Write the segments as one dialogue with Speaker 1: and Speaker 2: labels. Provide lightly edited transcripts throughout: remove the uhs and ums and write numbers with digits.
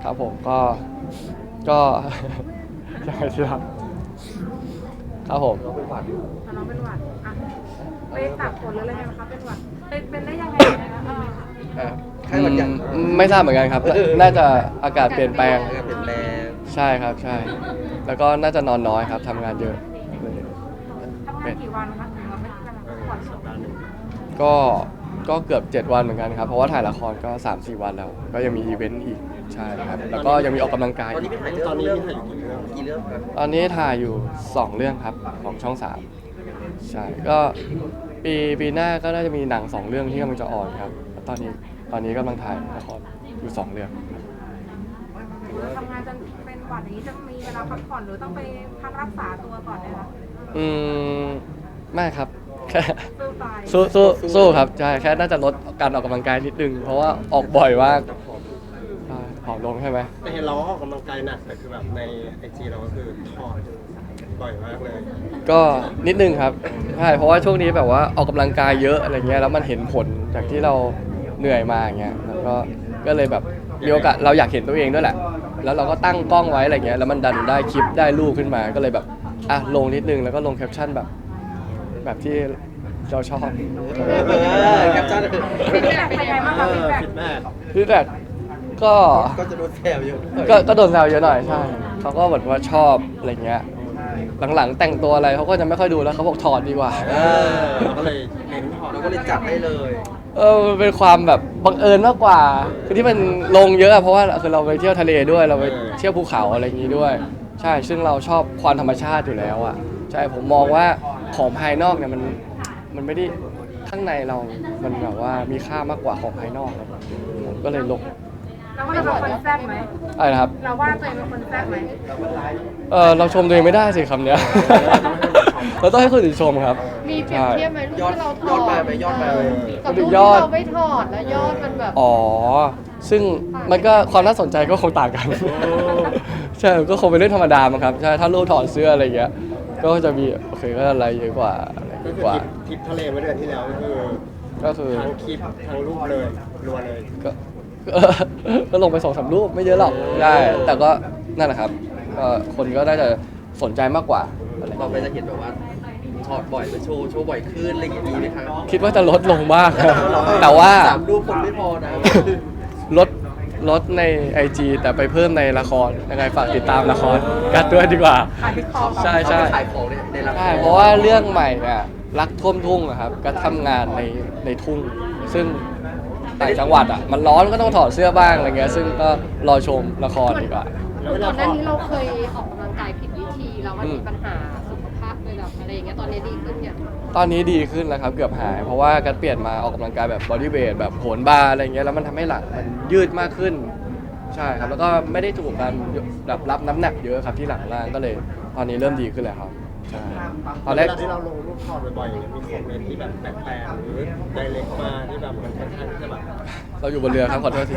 Speaker 1: ครับผมก็ ยังไงสิครับครับผม
Speaker 2: เราเป็นหวัดอยู่
Speaker 3: แต่น้องเป็นหวัดอ่ะไปตากฝนหรืออะไรกันคะเป็นหวัดเป็นได้ยังไงนะคะ
Speaker 2: ไข้หวัดใหญ่
Speaker 1: ไม่ทราบเหมือนกันครับ น่าจะอากาศเปลี่ยนแปลง
Speaker 2: เปลี่ยนแปลง
Speaker 1: ใช่ครับใช่ แล้วก็น่าจะนอนน้อยครับทำงานเยอะ
Speaker 3: ทำงานกี่วันคะถึงเราไม่ทำงานพักผ่อน
Speaker 2: สัปดาห์หนึ่ง
Speaker 1: ก็เกือบ7 วันเหมือนกันครับเพราะว่าถ่ายละครก็ 3-4 วันแล้ว ก็ยังมีอีเวนต์อีกใช่ครับแล้วก็ยังมีออกกำลังกาย
Speaker 2: ตอนนี้พี่ถ่ายเรื่องกี่เรื่องครับ
Speaker 1: ตอนนี้ถ่ายอยู่2 เรื่องครับของช่อง 3ใช่ก็ปีหน้าก็น่าจะมีหนัง2 เรื่องที่กำลังจะออนครับแล้วตอนนี้กำลังถ่ายละครอยู่2 เรื่อง
Speaker 3: ทำงานจนเป็นหวัดอย่างนี้จะมีเวลาพักผ่อนหรือต้องไปพักรักษาตัวก่อนไหมคะ
Speaker 1: ไม่ครับแค่
Speaker 3: สู้ตาย
Speaker 1: สู้ครับใช่แค่น่าจะลดการออกกำลังกายนิดนึงเพราะว่าออกบ่อยมากใช่ผอมลงใช่ไหม
Speaker 4: แต่เห็นเราออกกำลังกายหนักแต่คือแบบในไอจีเราก็คือถอดบ่อยมากเลย
Speaker 1: ก็นิดนึงครับใช่เพราะว่าช่วงนี้แบบว่าออกกำลังกายเยอะอะไรเงี้ยแล้วมันเห็นผลจากที่เราเหนื่อยมาอย่างเงี้ยแล้วก็เลยแบบมีโอกาสเราอยากเห็นตัวเองด้วยแหละแล้วเราก็ตั้งกล้องไว้อะไรเงี้ยแล้วมันดันได้คลิปได้รูปขึ้นมาก็เลยแบบอ่ะลงนิดนึงแล้วก็ลงแคปชั่นแบบที่เราชอบ
Speaker 2: แคปชั่น
Speaker 3: ฟีดแบ็กเป็นยังไงบ้างคะฟีดแบ็ก
Speaker 4: คิดแม่
Speaker 1: ที่แบบก็
Speaker 2: ก็จะโดนแซวเยอะ
Speaker 1: ก็โดนแซวเยอะหน่อยใช่เขาก็แบบว่าชอบอะไรเงี้ยหลังๆแต่งตัวอะไรเขาก็จะไม่ค่อยดูแล้วเขาบอกถอดดีกว่า
Speaker 4: เราก็เลยเน้นถอด
Speaker 2: เราก็เลยจัดให้เลย
Speaker 1: มันเป็นความแบบบังเอิญมากกว่าคือที่มันลงเยอะอะเพราะว่าคือเราไปเที่ยวทะเลด้วยเราไปเที่ยวภูเขาอะไรอย่างงี้ด้วย ใช่ซึ่งเราชอบความธรรมชาติอยู่แล้วอ่ะใช่ผมมองว่าของภายนอกเนี่ยมันไม่ได้ข้างในเรา มันแบบว่ามีค่ามากกว่าของภายนอกครับผมก็เลยลง
Speaker 3: เราว่าเราเป็นคนแซ่บไหม
Speaker 1: อะไรนะครับ
Speaker 3: เราว่าตัวเองเป็นคนแซ่บไหม
Speaker 1: เราชมตัวเองไม่ได้สิคำเนี้ย เราต้องให้คนอื่นชมครับ
Speaker 5: มีเปรียบเทียบไหมรูป
Speaker 2: ยอด
Speaker 5: ที่เราถ
Speaker 2: ย
Speaker 5: อ
Speaker 2: อด
Speaker 5: ด
Speaker 2: มาไหมยอดมาไหม
Speaker 5: กับรูป
Speaker 1: ย
Speaker 5: ที่
Speaker 1: อด
Speaker 5: เราไม่ถอดแล้วยอดมันแบบ
Speaker 1: อ๋อ ซึ่งมันก็ความน่าสนใจก็คงต่างกัน ใช่ ก็คงเป็นเรื่องธรรมดามั้งครับ ใช่ ถ้ารูปถอดเสื้ออะไรอย่างเงี้ย ก็จะมีโอเคก็อะไรเยอะกว่าอะไร
Speaker 4: ก็
Speaker 1: เยอะ
Speaker 4: คือก
Speaker 1: ว่า
Speaker 4: ทริปทะเลเมื่อเดือนที่แล้วก็คือ
Speaker 1: ก็คือ
Speaker 4: ทั้งคลิปทั้งรูปเลยรัวเลย
Speaker 1: ก็ ก็ลงไป2-3 รูปไม่เยอะหรอกได้แต่ก็นั่นแหละครับก็คนก็น่าจะสนใจมากกว่าอะไร
Speaker 2: เราไปจะเห็นแบบว่าถอดบ่อยไปโชว์บ่อยขึ้นอะไรอย่างนี้ไหมครับ
Speaker 1: คิดว่าจะลดลงมาก แต่ว่า
Speaker 2: 3 รูปคนไม่พอนะ
Speaker 1: ลดใน IG แต่ไปเพิ่มในละครยังไงฝากติดตามละครกันด้วยดีกว่า
Speaker 3: ขายติ๊กต็อก
Speaker 1: ใช่
Speaker 2: เขาไปขายของในละคร
Speaker 1: ใช่เพราะว่าเรื่องใหม่เนี่ยรักท่วมทุ่งอะครับก็ทำงานในทุ่ง ซึ่งต่างจังหวัดอ่ะมันร้อนก็ต้องถอดเสื้อบ้างอะไรเงี้ยซึ่งก็รอชมละครดีกว่า
Speaker 4: แล้วเว
Speaker 5: ก่
Speaker 4: ลา
Speaker 5: อนห
Speaker 4: ถ
Speaker 5: น้า
Speaker 4: อด
Speaker 5: นี้เราเคยออกกำลังกายผิดวิธีแล้วมันมีปัญหาสุขภาพเลยแบบอะไรอย่างเงี้ยตอนนี้ดีขึ้นอย่าง
Speaker 1: ตอนนี้ดีขึ้นแล้วครับเกือบหาย เพราะว่าการเปลี่ยนมาออกกำลังกายแบบบอดี้เวทแบบโหนบาร์อะไรเงี้ยแล้วมันทำให้หลังมันยืดมากขึ้นใช่ครับแล้วก็ไม่ได้ถูกการแบบรับน้ำหนักเยอะครับที่หลังล่างก็เลยตอนนี้เริ่มดีขึ้นแล้วครับใช่ตอนแร
Speaker 4: เว
Speaker 1: ก
Speaker 4: ลาที่เราลงรูปถอดบ่อยๆอย่างเงี้ยมีคอมเมนต์ที่แบบแปลกๆหรือไดเรกมาที่แบบมันค่อนข้างที่จะแบบ
Speaker 1: เราอยู่บนเรือครับขอโทษที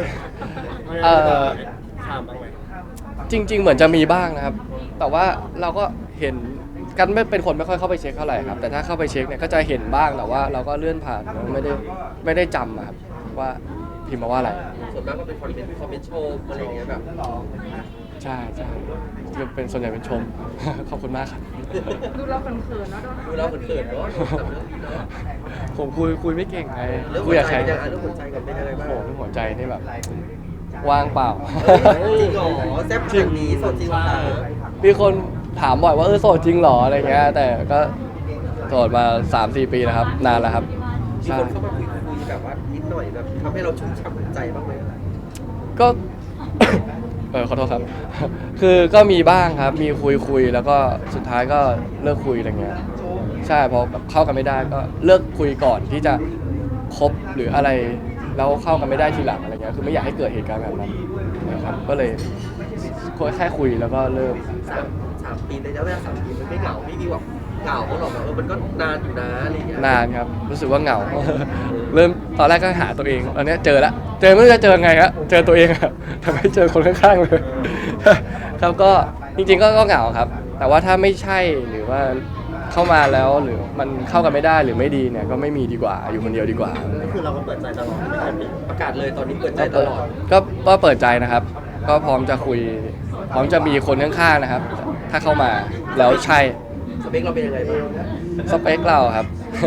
Speaker 4: ถามบ้างไหม
Speaker 1: จริง ๆ เหมือนจะมีบ้างนะครับ แต่ว่าเราก็เห็นกันไม่เป็นคนไม่ค่อยเข้าไปเช็คเท่าไหร่ครับแต่ถ้าเข้าไปเช็คเนี่ยก็จะเห็นบ้างแต่ว่าเราก็เลื่อนผ่านไม่ได้จำอะครับว่าพิมพ์มาว่าอะไร
Speaker 2: ส่วนมากก็เป็นคอมเมนต์โชว์อะไรอย่างเงี้ยแบบ
Speaker 1: ใช่จะเป็นส่วนใหญ่เป็นชม ขอบคุณมากครับ
Speaker 3: ดูเราเขินๆเนาะ
Speaker 2: ดูเราเขินๆเนาะกับเรื่องนี้เนาะ
Speaker 1: ผมคุยไม่เก่งไง
Speaker 2: เรื่อง
Speaker 1: คุ
Speaker 2: หั
Speaker 1: ยว กับ
Speaker 2: ใจ
Speaker 1: ใคร
Speaker 2: ยังไงเรื่องหัวใจกันเป็นยังไง
Speaker 1: โอ้
Speaker 2: บ้าง
Speaker 1: โหเรื่องหัวใจนี่แบบว่างเปล่า
Speaker 2: จริงเหรอแซ่บจริงนี้สดจริงเหรอ
Speaker 1: มีคนถามบ่อยว่าโสดจริงเหรออะไรเงี้ยแต่ก็โสดมา 3-4 ปีนะครับนานแล้วครับ
Speaker 2: มี
Speaker 1: ใช่
Speaker 2: คนเข้ามาคุยแบบว่านิดหน่อยแบบทำให้เราชุ่มฉ่ำหัวใจบ้างไหม
Speaker 1: ก็ ขอโทษครับ คือก็มีบ้างครับ มีคุยแล้วก็สุดท้ายก็เลิกคุยอะไรเงี้ย ใช่พอแบบเข้ากันไม่ได้ก็เลิกคุยก่อนที่จะคบหรืออะไรแล้วเข้ากันไม่ได้ทีหลังอะไรเงี้ย คือไม่อยากให้เกิดเหตุการณ์แบบนั้นนะครับ ก็เลยแค่คุยแล้วก็เลิก
Speaker 2: 3 ปีในระยะเวลา3 ปีมันไม่เหงาไม่มีแบบเหงาหรอกแบบมันก็นานอยู่นะอะไรอย่างเงี้ย
Speaker 1: นานครับ รู้สึกว่าเหงา เริ่มตอนแรกก็หาตัวเองตอนเนี้ยเจอแล้วเจอไม่รู้จะเจอไงฮะเจอตัวเองอะ ทำให้เจอคนข้างๆเลย ครับก็จริงๆก็เหงาครับ แต่ว่าถ้าไม่ใช่หรือว่าเข้ามาแล้วหรือมันเข้ากันไม่ได้หรือไม่ดีเนี่ยก็ไม่มีดีกว่าอยู่คนเดียวดีกว่า
Speaker 4: ก็คือเราก็เปิดใจตลอดไม่เคยปิด
Speaker 2: ประกาศเลยตอนนี้เปิดใจตลอด
Speaker 1: ก็เปิดใจนะครับก็พร้อมจะคุย พร้อมจะมีคนข้างๆนะครับ ถ้าเข้ามาแล้วใช่
Speaker 2: สเปคเราเป็นยังไงบ้าง
Speaker 1: สเปคเราครับ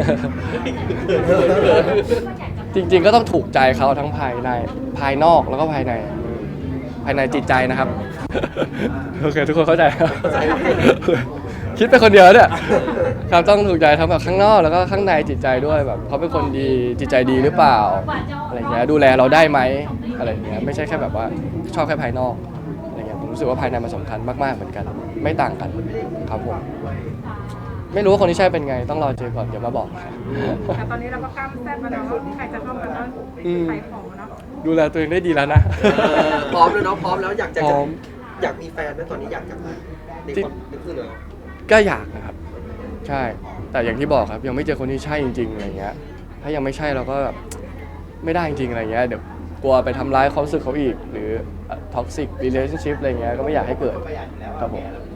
Speaker 1: จริงๆก็ต้องถูกใจเขาทั้งภายในภายนอกแล้วก็ภายในจิตใจนะครับ โอเคทุกคนเข้าใจครับ คิดไปคนเดียวเนี่ยครับต้องถูกใจทั้งแบบข้างนอกแล้วก็ข้างในจิตใจด้วยแบบเขาเป็นคนดีจิตใจดีหรือเปล่าอะไรเงี้ยดูแลเราได้ไหมอะไรเงี้ยไม่ใช่แค่แบบว่าชอบแค่ภายนอกอะไรเงี้ยผมรู้สึกว่าภายในมันสำคัญมากๆเหมือนกัน ไม่ต่างกันครับผมไม่รู้ว่าคนที่ใช่เป็นไงต้องรอเจอก่อนเดี๋ยวมาบอก
Speaker 3: แต่ตอนนี้เราก็กล้ามแซ่บมาแล้วว่าใครจะเข้ามาก็ขายของเนาะ
Speaker 1: ดูแลตัวเองได้ดีแล้วนะ
Speaker 2: พร้อมเลยเนาะพร้อมแล้วอยากจะ
Speaker 1: พร้อม
Speaker 2: อยากมีแฟนไหมตอนนี้อยากจะในความนึกขึ้นเลย
Speaker 1: ก็อยากนะครับ ใช่ แต่อย่างที่บอกครับยังไม่เจอคนที่ใช่จริงๆอะไรเงี้ยถ้ายังไม่ใช่เราก็แบบไม่ได้จริงๆอะไรเงี้ยเดี๋ยวกลัวไปทำร้ายความรู้สึกเขาอีก หรือ toxic relationship อะไรเงี้ยก็ไม่อยากให้เกิดครับผม